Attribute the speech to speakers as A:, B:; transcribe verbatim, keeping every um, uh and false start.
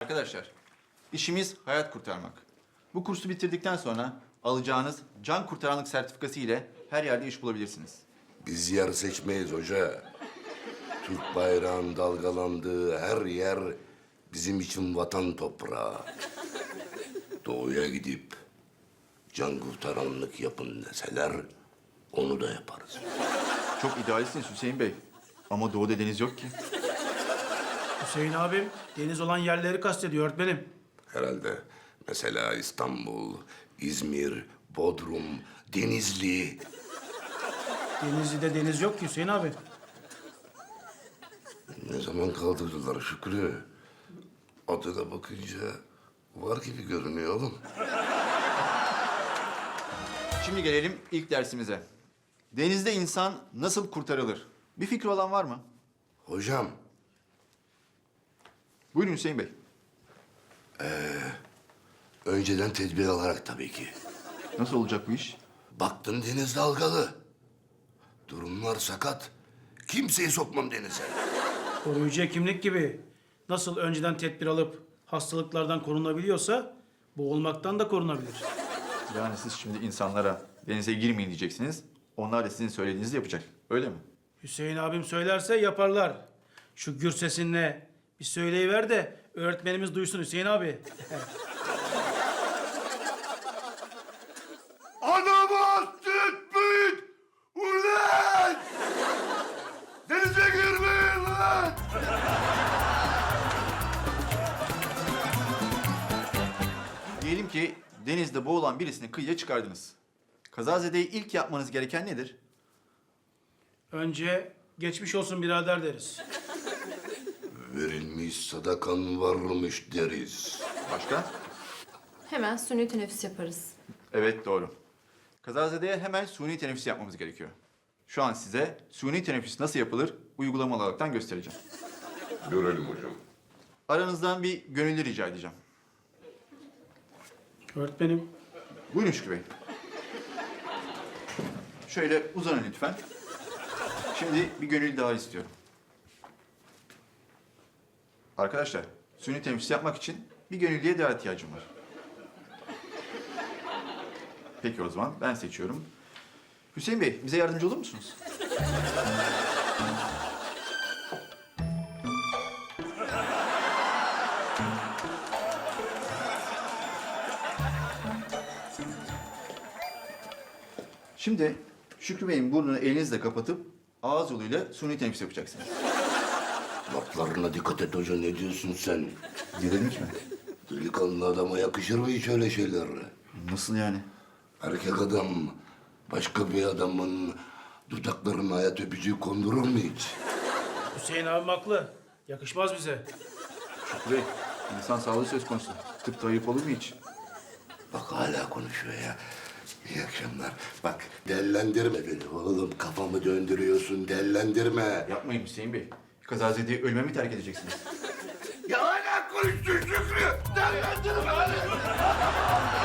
A: Arkadaşlar, işimiz hayat kurtarmak. Bu kursu bitirdikten sonra alacağınız can kurtaranlık sertifikası ile her yerde iş bulabilirsiniz.
B: Biz yer seçmeyiz hoca. Türk bayrağının dalgalandığı her yer bizim için vatan toprağı. Doğuya gidip can kurtaranlık yapın deseler onu da yaparız.
A: Çok idealistsiniz Hüseyin Bey. Ama doğuda deniz yok ki.
C: Hüseyin abim deniz olan yerleri kastediyor öğretmenim.
B: Herhalde mesela İstanbul, İzmir, Bodrum, Denizli.
C: Denizli'de deniz yok ki Hüseyin abi.
B: Ne zaman kaldırdılar Şükrü? Adına bakınca var gibi görünüyor oğlum.
A: Şimdi gelelim ilk dersimize. Denizde insan nasıl kurtarılır? Bir fikri olan var mı?
B: Hocam,
A: Buyurun Hüseyin Bey.
B: önceden tedbir alarak tabii ki.
A: Nasıl olacak bu iş?
B: Baktın deniz dalgalı. Durumlar sakat. Kimseyi sokmam denize.
C: Koruyucu hekimlik gibi nasıl önceden tedbir alıp hastalıklardan korunabiliyorsa boğulmaktan da korunabilir.
A: Yani siz şimdi insanlara denize girmeyin diyeceksiniz. Onlar da sizin söylediğinizi yapacak. Öyle mi?
C: Hüseyin abim söylerse yaparlar. Şu gür sesinle bir söyleyiver de öğretmenimiz duysun Hüseyin abi.
B: Adama tütmeyin! Ulan! Denize girmeyin lan!
A: Diyelim ki denizde boğulan birisini kıyıya çıkardınız. Kazazedeyi ilk yapmanız gereken nedir?
C: Önce geçmiş olsun birader deriz.
B: Verilmiş sadakan varmış deriz.
A: Başka?
D: Hemen suni teneffüs yaparız.
A: Evet, doğru. Kazazede'ye hemen suni teneffüs yapmamız gerekiyor. Şu an size suni teneffüs nasıl yapılır uygulamalı olaraktan göstereceğim.
B: Görelim hocam.
A: Aranızdan bir gönüllü rica edeceğim.
C: Öğretmenim.
A: Buyurun Şükrü Bey. Şöyle uzanın lütfen. Şimdi bir gönüllü daha istiyorum. Arkadaşlar, suni teneffüs yapmak için bir gönüllüye daha ihtiyacım var. Peki o zaman ben seçiyorum. Hüseyin Bey, bize yardımcı olur musunuz? Şimdi Şükrü Bey'in burnunu elinizle kapatıp ağız yoluyla suni teneffüs yapacaksınız.
B: Laflarına dikkat et hoca, ne diyorsun sen?
A: Gerilmiş mi?
B: Delikanlı adama yakışır mı hiç öyle şeyler?
A: Nasıl yani?
B: Erkek adam başka bir adamın dudaklarına hayat öpücüğü kondurur mu hiç?
C: Hüseyin abim haklı. Yakışmaz bize.
A: Şükrü Bey, insan sağlığı söz konusu. Tıpta ayıp olur mu hiç?
B: Bak hala konuşuyor ya. İyi akşamlar. Bak dellendirme beni oğlum. Kafamı döndürüyorsun, dellendirme.
A: Yapmayın Hüseyin Bey. Kazazedeyi ölüme mi terk edeceksiniz?
B: Ya hala konuştun Şükrü. Dellendirme beni.